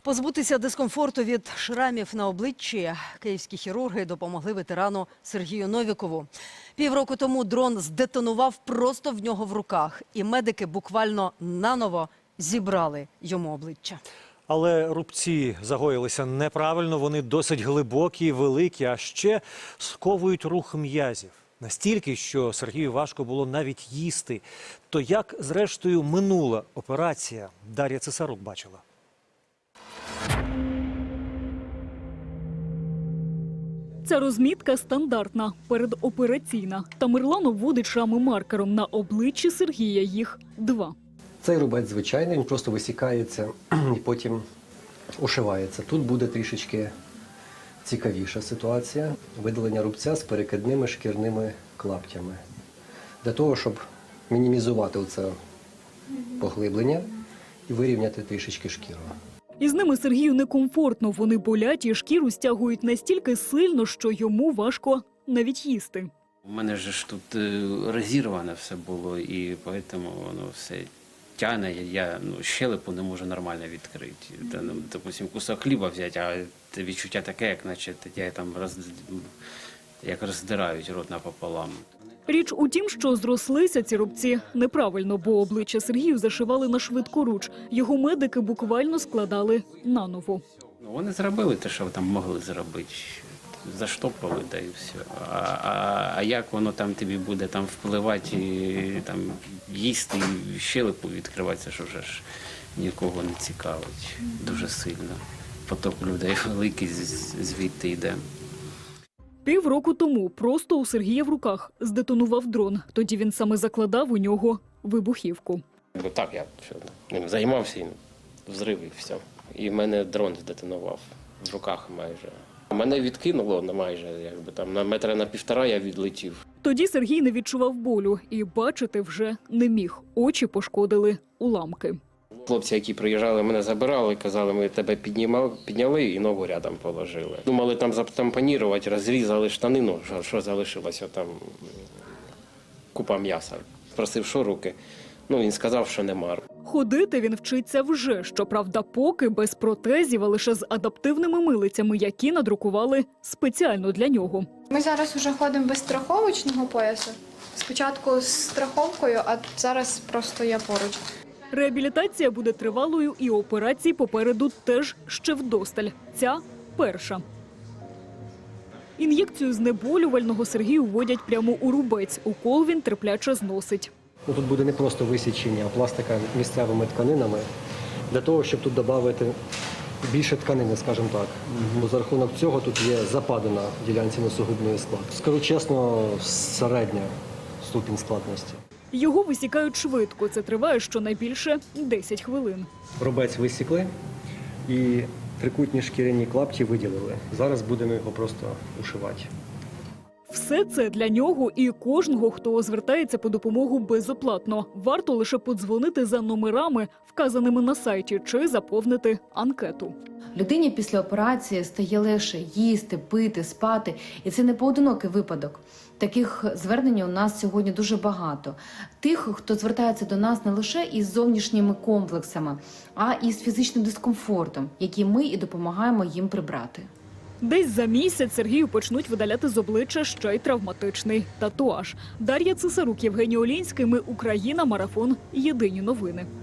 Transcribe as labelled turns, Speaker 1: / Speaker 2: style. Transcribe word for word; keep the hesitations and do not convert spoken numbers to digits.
Speaker 1: Позбутися дискомфорту від шрамів на обличчі київські хірурги допомогли ветерану Сергію Новікову. Півроку тому дрон здетонував просто в нього в руках, і медики буквально наново зібрали йому обличчя.
Speaker 2: Але рубці загоїлися неправильно, вони досить глибокі, великі, а ще сковують рух м'язів. Настільки, що Сергію важко було навіть їсти. То як, зрештою, минула операція, Дар'я Цесарук бачила.
Speaker 3: Ця розмітка стандартна, передопераційна. Тамерлан обводить шрами маркером. На обличчі Сергія їх два.
Speaker 4: Цей рубець звичайний, він просто висікається і потім ушивається. Тут буде трішечки цікавіша ситуація. Видалення рубця з перекидними шкірними клаптями. Для того, щоб мінімізувати оце поглиблення і вирівняти трішечки шкіру.
Speaker 3: Із ними Сергію некомфортно. Вони болять і шкіру стягують настільки сильно, що йому важко навіть їсти.
Speaker 5: У мене ж тут розірване все було, і тому воно все тягне. Я ну, щелепу не можу нормально відкрити. Та, ну, допустим, кусок хліба взяти, а відчуття таке, як наче я там роз... як роздирають рот напополам.
Speaker 3: Річ у тім, що зрослися ці рубці неправильно, бо обличчя Сергію зашивали на швидкоруч. Його медики буквально складали наново.
Speaker 5: Ну, вони зробили те, що там могли зробити. Заштопали, да і все. А, а, а як воно там тобі буде там впливати, і, там, їсти, і щелепу відкриватися, що вже ж нікого не цікавить дуже сильно. Поток людей великий звідти йде.
Speaker 3: Півроку тому просто у Сергія в руках здетонував дрон. Тоді він саме закладав у нього вибухівку.
Speaker 5: Бо так я ним займався, і взрив і все. І в мене дрон здетонував в руках майже. Мене відкинуло на майже, якби там на метра на півтора я відлетів.
Speaker 3: Тоді Сергій не відчував болю і бачити вже не міг. Очі пошкодили уламки.
Speaker 5: Хлопці, які приїжджали, мене забирали, казали, ми тебе піднімали, підняли і ногу рядом положили. Думали там затампонірувати, розрізали штанину, що, що залишилося там купа м'яса. Просив, що руки. Ну, він сказав, що нема.
Speaker 3: Ходити він вчиться вже, щоправда, поки без протезів, а лише з адаптивними милицями, які надрукували спеціально для нього.
Speaker 6: Ми зараз вже ходимо без страховочного поясу. Спочатку з страховкою, а зараз просто я поруч.
Speaker 3: Реабілітація буде тривалою і операції попереду теж ще вдосталь. Ця перша. Ін'єкцію знеболювального Сергію вводять прямо у рубець. Укол він терпляче зносить.
Speaker 4: Ну, тут буде не просто висічення, а пластика місцевими тканинами, для того, щоб тут додати більше тканини, скажімо так. Бо за рахунок цього тут є западина в ділянці носогубної складки. Скажу чесно, середня ступінь складності.
Speaker 3: Його висікають швидко. Це триває щонайбільше десять хвилин.
Speaker 4: Рубець висікли і трикутні шкіряні клапті виділили. Зараз будемо його просто ушивати.
Speaker 3: Все це для нього і кожного, хто звертається по допомогу безоплатно. Варто лише подзвонити за номерами, вказаними на сайті, чи заповнити анкету.
Speaker 7: Людині після операції стає легше їсти, пити, спати. І це не поодинокий випадок. Таких звернень у нас сьогодні дуже багато. Тих, хто звертається до нас не лише із зовнішніми комплексами, а і з фізичним дискомфортом, який ми і допомагаємо їм прибрати.
Speaker 3: Десь за місяць Сергію почнуть видаляти з обличчя ще й травматичний татуаж. Дар'я Цесарук, Євгеній Олінський. Ми Україна. Марафон. Єдині новини.